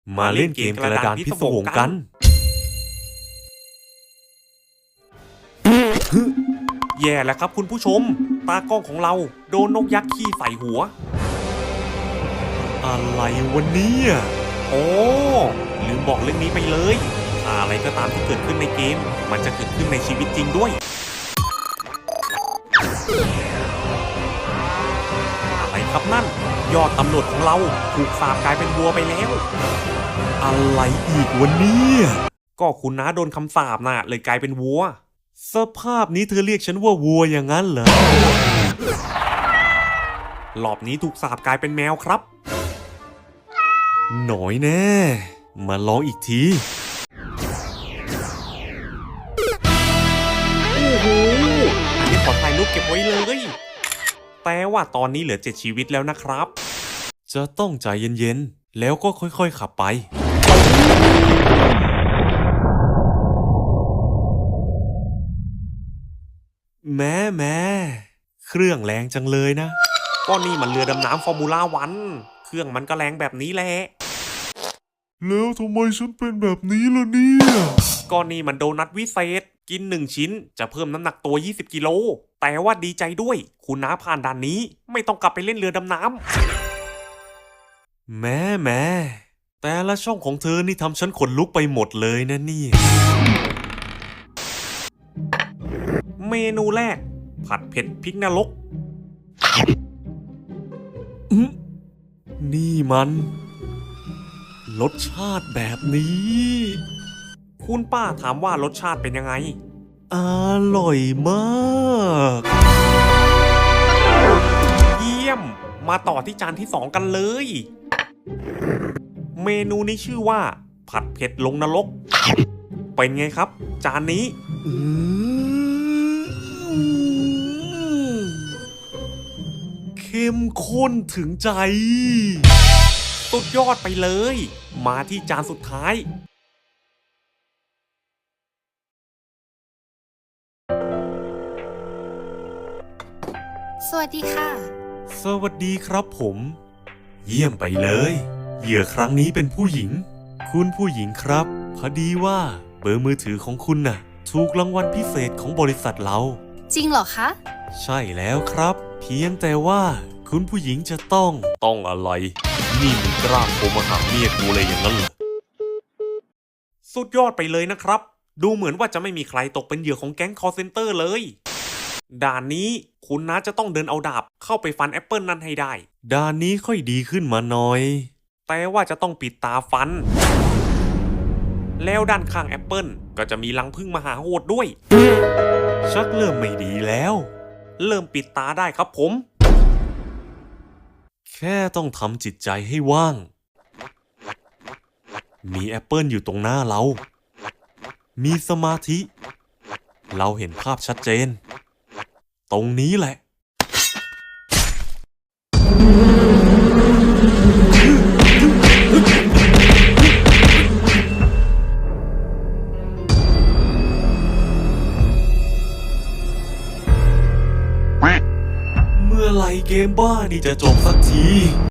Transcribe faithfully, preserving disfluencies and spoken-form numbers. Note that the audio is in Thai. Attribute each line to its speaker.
Speaker 1: มาเล่นเกมกระดานพิศวงกัน
Speaker 2: แย่แล้วครับคุณผู้ชมตากล้องของเราโดนนกยักษ์ขี้ใส่หัว
Speaker 1: อะไรวันนี้
Speaker 2: โอ้ลืมบอกเรื่องนี้ไปเลยอะไรก็ตามที่เกิดขึ้นในเกมมันจะเกิดขึ้นในชีวิตจริงด้วยอะไรครับนั่นยอดตำรวจของเราถูกสาปกลายเป็นวัวไปแล้ว
Speaker 1: อะไรอีกวันนี้
Speaker 2: ก็คุณน้าโดนคำสาปน่ะเลยกลายเป็นวัว
Speaker 1: สภาพนี้เธอเรียกฉันว่าวัวอย่างนั้นเหรอ
Speaker 2: รอบนี้ถูกสาปกลายเป็นแมวครับ
Speaker 1: หน่อยแน่มาลองอีกที
Speaker 2: โอ้โหอันนี้ขอถ่ายรูปเก็บไว้เลยแต่ว่าตอนนี้เหลือเจ็ดชีวิตแล้วนะครับ
Speaker 1: จะต้องใจเย็นๆแล้วก็ค่อยๆขับไปแม่แม่เครื่องแรงจังเลยนะ
Speaker 2: ก็นี่มันเรือดำน้ำฟอร์มูล่าวันเครื่องมันก็แรงแบบนี้แหละ
Speaker 1: แล้วทำไมฉันเป็นแบบนี้ล่ะเนี่ย
Speaker 2: ก็นี่มันโดนัทวิเศษกินหนึ่งชิ้นจะเพิ่มน้ำหนักตัวยี่สิบกิโลแต่ว่าดีใจด้วยคุณน้าผ่านด่านนี้ไม่ต้องกลับไปเล่นเรือดำน้
Speaker 1: ำแม่แม่แต่ละช่องของเธอนี่ทำฉันขนลุกไปหมดเลยนะนี่
Speaker 2: เมนูแรกผัดเผ็ดพริกนรก
Speaker 1: นี่มันรสชาติแบบนี้
Speaker 2: คุณป้าถามว่ารสชาติเป็นยังไง
Speaker 1: อร่อยมาก
Speaker 2: เยี่ยมมาต่อที่จานที่สองกันเลยเมนูนี้ชื่อว่าผัดเผ็ดลงนรกเป็นไงครับจานนี้
Speaker 1: เข้มข้นถึงใจ
Speaker 2: สุดยอดไปเลยมาที่จานสุดท้าย
Speaker 3: สวัสดีค่ะ
Speaker 1: สวัสดีครับผมเยี่ยมไปเลยเหยื่อครั้งนี้เป็นผู้หญิงคุณผู้หญิงครับพอดีว่าเบอร์มือถือของคุณน่ะถูกรางวัลพิเศษของบริษัทเรา
Speaker 3: จริงเหรอคะ
Speaker 1: ใช่แล้วครับเพียงแต่ว่าคุณผู้หญิงจะต้องต้องอะไรนี่มึงกล้าโทรมาหาเมียกูเลยอย่างนั้นเหรอ
Speaker 2: สุดยอดไปเลยนะครับดูเหมือนว่าจะไม่มีใครตกเป็นเหยื่อของแก๊งคอลเซ็นเตอร์เลยด่านนี้คุณน้าจะต้องเดินเอาดาบเข้าไปฟันแอปเปิลนั่นให้ได้
Speaker 1: ด่านนี้ค่อยดีขึ้นมาหน่อย
Speaker 2: แต่ว่าจะต้องปิดตาฟันแล้วด้านข้างแอปเปิลก็จะมีรังผึ้งมหาโหดด้วย
Speaker 1: ชักเริ่มไม่ดีแล้ว
Speaker 2: เริ่มปิดตาได้ครับผม
Speaker 1: แค่ต้องทำจิตใจให้ว่างมีแอปเปิลอยู่ตรงหน้าเรามีสมาธิเราเห็นภาพชัดเจนตรงนี้แหละเมื่อไหร่เกมบ้านี่จะจบสักที